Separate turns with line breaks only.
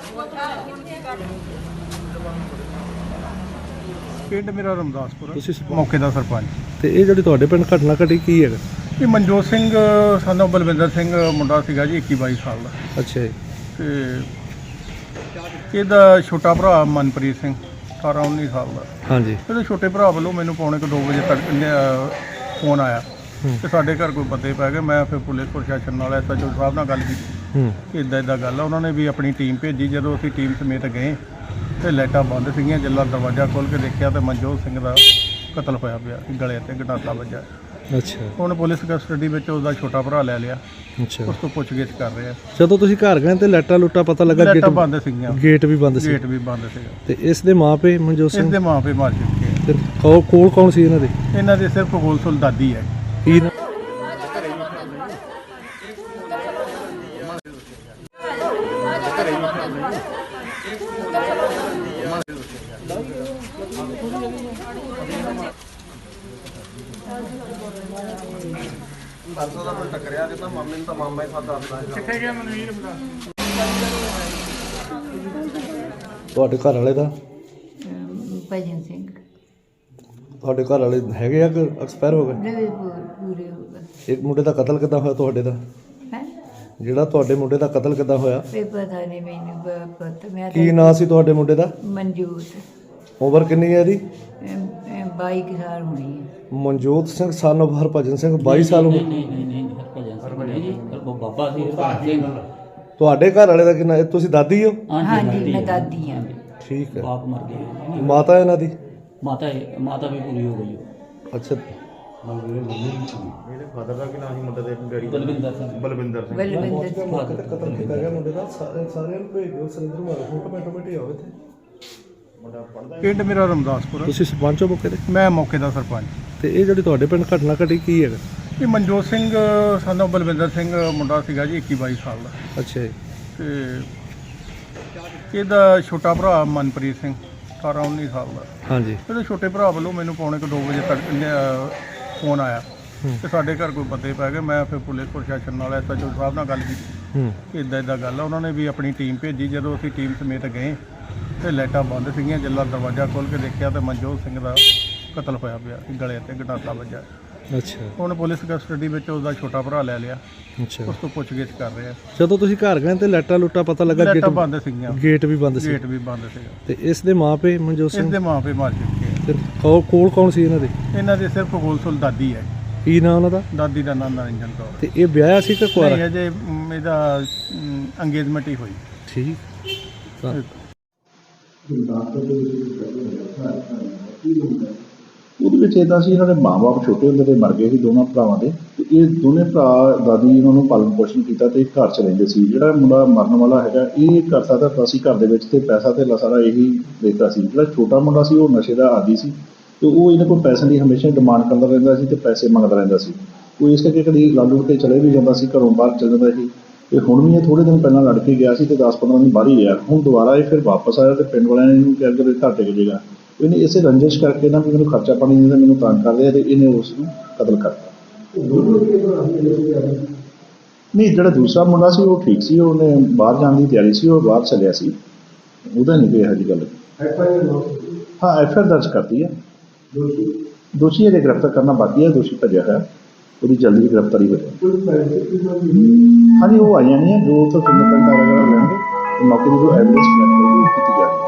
ਪਿੰਡ ਮੇਰਾ ਰਮਦਾਸਪੁਰ, ਤੁਸੀਂ ਮੌਕੇ ਦਾ ਸਰਪੰਚ।
ਤੇ ਇਹ ਜਿਹੜੀ ਤੁਹਾਡੇ ਪਿੰਡ ਘਟਨਾ ਘਟੀ ਕੀ ਹੈਗਾ?
ਇਹ ਮਨਜੋਤ ਸਿੰਘ ਸਾਨੂੰ ਬਲਵਿੰਦਰ ਸਿੰਘ ਮੁੰਡਾ ਸੀਗਾ ਜੀ, 21-22 ਸਾਲ ਦਾ।
ਅੱਛਾ ਜੀ।
ਤੇ ਇਹਦਾ ਛੋਟਾ ਭਰਾ ਮਨਪ੍ਰੀਤ ਸਿੰਘ 18-19 ਸਾਲ ਦਾ।
ਹਾਂਜੀ।
ਇਹਦੇ ਛੋਟੇ ਭਰਾ ਵੱਲੋਂ ਮੈਨੂੰ ਪੌਣੇ 2 ਵਜੇ ਤੱਕ ਫੋਨ ਆਇਆ ਕਿ ਸਾਡੇ ਘਰ ਕੋਈ ਬੰਦੇ ਪੈ ਗਏ। ਮੈਂ ਫਿਰ ਪੁਲਿਸ ਪ੍ਰਸ਼ਾਸਨ ਨਾਲ SHO ਸਾਹਿਬ ਨਾਲ ਗੱਲ ਕੀਤੀ ਕਿ ਇੱਦਾਂ ਗੱਲ ਆ। ਉਹਨਾਂ ਨੇ ਵੀ ਆਪਣੀ ਟੀਮ ਭੇਜੀ। ਜਦੋਂ ਅਸੀਂ ਟੀਮ ਸਮੇਤ ਗਏ ਤੇ ਲਾਈਟਾਂ ਬੰਦ ਸੀਗੀਆਂ। ਜਦੋਂ ਦਰਵਾਜ਼ਾ ਖੋਲ੍ਹ ਕੇ ਦੇਖਿਆ ਤਾਂ ਮਨਜੋਤ ਸਿੰਘ ਦਾ ਕਤਲ ਹੋਇਆ ਪਿਆ, ਗਲੇ 'ਤੇ ਗੰਡਾਸਾ ਵੱਜਾ।
ਅੱਛਾ।
ਹੁਣ ਪੁਲਿਸ ਕਸਟਡੀ ਵਿੱਚ ਉਹਦਾ ਛੋਟਾ ਭਰਾ ਲੈ ਲਿਆ।
ਅੱਛਾ।
ਉਸ ਤੋਂ ਪੁੱਛਗਿੱਛ ਕਰ ਰਹੇ ਆ।
ਜਦੋਂ ਤੁਸੀਂ ਘਰ ਗਏ ਤੇ ਲਾਈਟਾਂ ਲੁੱਟਾਂ ਪਤਾ ਲੱਗਾ
ਲਾਈਟਾਂ ਬੰਦ ਸੀਗੀਆਂ,
ਗੇਟ ਵੀ ਬੰਦ ਸੀ।
ਗੇਟ ਵੀ ਬੰਦ ਸੀਗਾ।
ਤੇ ਇਸ ਦੇ ਮਾਪੇ ਮਨਜੋਤ ਸਿੰਘ,
ਇਸ ਦੇ ਮਾਪੇ ਮਾਰ ਚੁੱਕੇ ਆ।
ਤੇ ਕੋਲ ਕੌਣ ਸੀ ਇਹਨਾਂ ਦੇ?
ਇਹਨਾਂ ਦੇ ਸਿਰਫ ਗੋਲਸੁਲ ਦਾਦੀ ਹੈ।
ਕੀ ਨਾ
ਟੱਕਰਿਆ ਜਿੱਦਾਂ ਮਾਮੇ ਨੂੰ ਤਾਂ ਮਾਮਾ ਹੀ ਸਾਦਾ ਆਉਂਦਾ। ਕਿੱਥੇ ਗਿਆ ਮਨਵੀਰ ਮੁੰਡਾ?
ਤੁਹਾਡੇ ਘਰ ਵਾਲੇ ਦਾ?
ਭਜਨ ਸਿੰਘ।
ਤੁਹਾਡੇ ਘਰ ਵਾਲੇ ਹੈਗੇ ਆ ਕਿ ਐਕਸਪਾਇਰ ਹੋ ਗਏ?
ਪੂਰੇ ਹੋ ਗਏ।
ਇੱਕ ਮੁੰਡੇ ਦਾ ਕਤਲ ਕਿੱਦਾਂ ਹੋਇਆ ਤੁਹਾਡੇ ਦਾ?
ਹੈ
ਜਿਹੜਾ ਤੁਹਾਡੇ ਮੁੰਡੇ ਦਾ ਕਤਲ ਕਿੱਦਾਂ ਹੋਇਆ?
ਇਹ ਪਤਾ ਨਹੀਂ ਮੈਨੂੰ ਪਤਾ। ਮੈਂ
ਕੀ ਨਾਂ ਸੀ ਤੁਹਾਡੇ ਮੁੰਡੇ ਦਾ?
ਮਨਜੋਤ।
ਉਮਰ ਕਿੰਨੀ ਹੈ ਇਹਦੀ?
22 ਸਾਲ ਹੋਣੀ ਹੈ।
ਮਨਜੋਤ ਸਿੰਘ ਸਨ ਆਫ ਹਰਭਜਨ ਸਿੰਘ 22 ਸਾਲ ਉਮਰ।
ਨਹੀਂ ਹਰਭਜਨ ਸਿੰਘ ਉਹ ਬਾਬਾ ਸੀ ਹਰਭਜਨ ਸਿੰਘ।
ਤੁਹਾਡੇ ਘਰ ਵਾਲੇ ਦਾ ਕਿੰਨਾ? ਤੁਸੀਂ ਦਾਦੀ ਹੋ?
ਹਾਂਜੀ, ਮੈਂ ਦਾਦੀ ਹਾਂ।
ਠੀਕ ਹੈ।
ਬਾਪ ਮਰ ਗਿਆ।
ਮਾਤਾ ਇਹਨਾਂ ਦੀ?
ਮਾਤਾ ਵੀ ਪੂਰੀ ਹੋ ਗਈ ਉਹ।
ਅੱਛਾ।
ਮੇਰੇ ਫਾਦਰ ਦਾ ਕੀ ਨਾਮ ਸੀ ਮੁੰਡੇ ਦੇ?
ਬਲਵਿੰਦਰ ਸਿੰਘ।
ਬਲਵਿੰਦਰ ਸਿੰਘ।
ਬਲਵਿੰਦਰ ਸਿੰਘ।
ਕਤਲ ਕੀਤਾ ਗਿਆ ਮੁੰਡੇ ਦਾ। ਸਾਰਿਆਂ ਨੂੰ ਭੇਜ ਦਿਓ ਸੁਰਿੰਦਰ ਮਾਰ ਫੋਟੋ ਆਟੋਮੈਟਿਕ ਆਵੇ ਇੱਥੇ।
ਪਿੰਡ ਮੇਰਾ ਰਮਦਾਸਪੁਰ,
ਤੁਸੀਂ ਸਰਪੰਚ ਹੋ ਮੌਕੇ ਤੇ?
ਮੈਂ ਮੌਕੇ ਦਾ ਸਰਪੰਚ।
ਤੇ ਇਹ ਜਿਹੜੀ ਤੁਹਾਡੇ ਪਿੰਡ ਘਟਨਾ ਘਟੀ ਕੀ ਹੈਗਾ?
ਇਹ ਮਨਜੋਤ ਸਿੰਘ ਸਾਨੂੰ ਬਲਵਿੰਦਰ ਸਿੰਘ ਮੁੰਡਾ ਸੀਗਾ ਜੀ, 21-22 ਸਾਲ ਦਾ।
ਅੱਛਾ ਜੀ।
ਤੇ ਇਹਦਾ ਛੋਟਾ ਭਰਾ ਮਨਪ੍ਰੀਤ ਸਿੰਘ 18-19 ਸਾਲ ਦਾ।
ਹਾਂਜੀ।
ਇਹਦੇ ਛੋਟੇ ਭਰਾ ਵੱਲੋਂ ਮੈਨੂੰ ਪੌਣੇ 2 ਵਜੇ ਤੱਕ ਫੋਨ ਆਇਆ ਕਿ ਸਾਡੇ ਘਰ ਕੋਈ ਬੰਦੇ ਪੈ ਗਏ। ਮੈਂ ਫਿਰ ਪੁਲਿਸ ਪ੍ਰਸ਼ਾਸਨ ਨਾਲ SHO ਸਾਹਿਬ ਨਾਲ ਗੱਲ ਕੀਤੀ ਕਿ ਇੱਦਾਂ ਗੱਲ ਆ। ਉਹਨਾਂ ਨੇ ਵੀ ਆਪਣੀ ਟੀਮ ਭੇਜੀ। ਜਦੋਂ ਅਸੀਂ ਟੀਮ ਸਮੇਤ ਗਏ ਤੇ ਲਾਈਟਾਂ ਬੰਦ ਸੀਗੀਆਂ। ਜਦੋਂ ਦਰਵਾਜ਼ਾ ਖੋਲ੍ਹ ਕੇ ਦੇਖਿਆ ਤਾਂ ਮਨਜੋਤ ਸਿੰਘ ਦਾ ਕਤਲ ਹੋਇਆ ਪਿਆ, ਗਲੇ 'ਤੇ ਗੰਡਾਸਾ ਵੱਜਾ।
ਅੱਛਾ।
ਹੁਣ ਪੁਲਿਸ ਕਸਟਡੀ ਵਿੱਚ ਉਹਦਾ ਛੋਟਾ ਭਰਾ ਲੈ ਲਿਆ।
ਅੱਛਾ।
ਉਸ ਤੋਂ ਪੁੱਛਗਿੱਛ ਕਰ ਰਹੇ ਆ।
ਜਦੋਂ ਤੁਸੀਂ ਘਰ ਗਏ ਤੇ ਲਾਈਟਾਂ ਲੁੱਟਾਂ ਪਤਾ ਲੱਗਾ
ਲਾਈਟਾਂ ਬੰਦ ਸੀਗੀਆਂ,
ਗੇਟ ਵੀ ਬੰਦ ਸੀ।
ਗੇਟ ਵੀ ਬੰਦ ਸੀਗਾ।
ਤੇ ਇਸ ਦੇ ਮਾਪੇ ਮਨਜੋਤ
ਇਸ
ਸਿੰਘ,
ਦੇ ਮਾਪੇ ਮਾਰ ਚੁੱਕੇ ਆ।
ਤੇ ਕੋਲ ਕੌਣ ਸੀ ਇਹਨਾਂ ਦੇ?
ਇਹਨਾਂ ਦੇ ਸਿਰਫ ਗੋਲਸੁਲ ਦਾਦੀ ਹੈ।
ਕੀ ਨਾਂ ਉਹਨਾਂ ਦਾ?
ਦਾਦੀ ਦਾ ਨਾਮ ਨਰਿੰਜਨ ਕੌਰ।
ਤੇ ਇਹ ਵਿਆਹਿਆ ਸੀ ਕਿ
ਨਹੀਂ,
ਕੁਆਰਾ?
ਅਜੇ ਇਹਦਾ ਅੰਗੇਜਮੈਂਟ ਹੀ ਹੋਈ।
ਠੀਕ। ਤਾਂ
ਉਹਦੇ ਵਿੱਚ ਇੱਦਾਂ ਸੀ, ਇਹਨਾਂ ਦੇ ਮਾਂ-ਬਾਪ ਛੋਟੇ ਹੁੰਦੇ ਤੇ ਮਰ ਗਏ ਸੀ ਦੋਨਾਂ ਭਰਾਵਾਂ ਦੇ। ਤੇ ਇਹ ਦੋਨੇ ਭਰਾ ਦਾਦੀ ਇਹਨਾਂ ਨੂੰ ਪਾਲਣ ਪੋਸ਼ਣ ਕੀਤਾ ਤੇ ਘਰ 'ਚ ਰਹਿੰਦੇ ਸੀ। ਜਿਹੜਾ ਮੁੰਡਾ ਮਰਨ ਵਾਲਾ ਹੈਗਾ ਇਹ ਘਰ ਸਕਦਾ ਸੀ ਘਰ ਦੇ ਵਿੱਚ, ਤੇ ਪੈਸਾ ਤੇ ਸਾਰਾ ਇਹੀ ਦੇਖਦਾ ਸੀ। ਜਿਹੜਾ ਛੋਟਾ ਮੁੰਡਾ ਸੀ ਉਹ ਨਸ਼ੇ ਦਾ ਆਦੀ ਸੀ ਤੇ ਉਹ ਇਹਨਾਂ ਕੋਲ ਪੈਸੇ ਦੀ ਹਮੇਸ਼ਾ ਡਿਮਾਂਡ ਕਰਦਾ ਰਹਿੰਦਾ ਸੀ ਤੇ ਪੈਸੇ ਮੰਗਦਾ ਰਹਿੰਦਾ ਸੀ। ਉਹ ਇਸ ਕਰਕੇ ਕਦੀ ਲੜ ਲੁੜ ਕੇ ਚਲੇ ਵੀ ਜਾਂਦਾ ਸੀ, ਘਰੋਂ ਬਾਹਰ ਚਲ ਜਾਂਦਾ ਸੀ। ਤੇ ਹੁਣ ਵੀ ਇਹ ਥੋੜ੍ਹੇ ਦਿਨ ਪਹਿਲਾਂ ਲੜ ਕੇ ਗਿਆ ਸੀ ਤੇ 10-15 ਦਿਨ ਬਾਹਰ ਹੀ ਰਿਹਾ। ਹੁਣ ਦੁਬਾਰਾ ਇਹ ਫਿਰ ਵਾਪਸ ਆਇਆ ਤੇ ਪਿੰਡ ਵਾਲਿਆਂ ਨੇ ਇਹਨੂੰ ਕਿਹਾ ਕਿ ਘਰ ਟਿਕ ਜਾਏਗਾ। ਇਹਨੇ ਇਸੇ ਰੰਜਿਸ਼ ਕਰਕੇ ਨਾ ਵੀ ਮੈਨੂੰ ਖਰਚਾ ਪਾਣੀ ਨਹੀਂ ਦਿੰਦਾ, ਮੈਨੂੰ ਤੰਗ ਕਰਦੇ ਆ, ਤੇ ਇਹਨੇ ਉਸ ਨੂੰ ਕਤਲ ਕਰਤਾ। ਨਹੀਂ, ਜਿਹੜਾ ਦੂਸਰਾ ਮੁੰਡਾ ਸੀ ਉਹ ਠੀਕ ਸੀ, ਉਹਨੇ ਬਾਹਰ ਜਾਣ ਦੀ ਤਿਆਰੀ ਸੀ, ਉਹ ਬਾਹਰ ਚੱਲਿਆ ਸੀ। ਉਹਦਾ ਨਹੀਂ ਕੋਈ ਇਹੋ ਜਿਹੀ ਗੱਲ। ਹਾਂ, FIR ਦਰਜ ਕਰਤੀ ਹੈ। ਦੋਸ਼ੀ ਇਹਦੇ ਗ੍ਰਿਫਤਾਰ ਕਰਨਾ ਬਾਕੀ ਹੈ। ਦੋਸ਼ੀ ਭੱਜਿਆ ਹੋਇਆ, ਉਹਦੀ ਜਲਦੀ ਗ੍ਰਿਫਤਾਰੀ ਹੋ ਜਾਏ। ਹਾਂਜੀ, ਉਹ ਆ ਜਾਣੀ ਹੈ। ਜੋ ਉੱਥੋਂ ਫਿੰਗਰਪ੍ਰਿੰਟ ਵਗੈਰਾ ਲੈਣਗੇ, ਮੌਕੇ ਦੀ ਜੋ ਐਵੀਡੈਂਸ ਕਲੈਕਟ ਕੀਤੀ ਜਾ ਰਹੀ ਹੈ।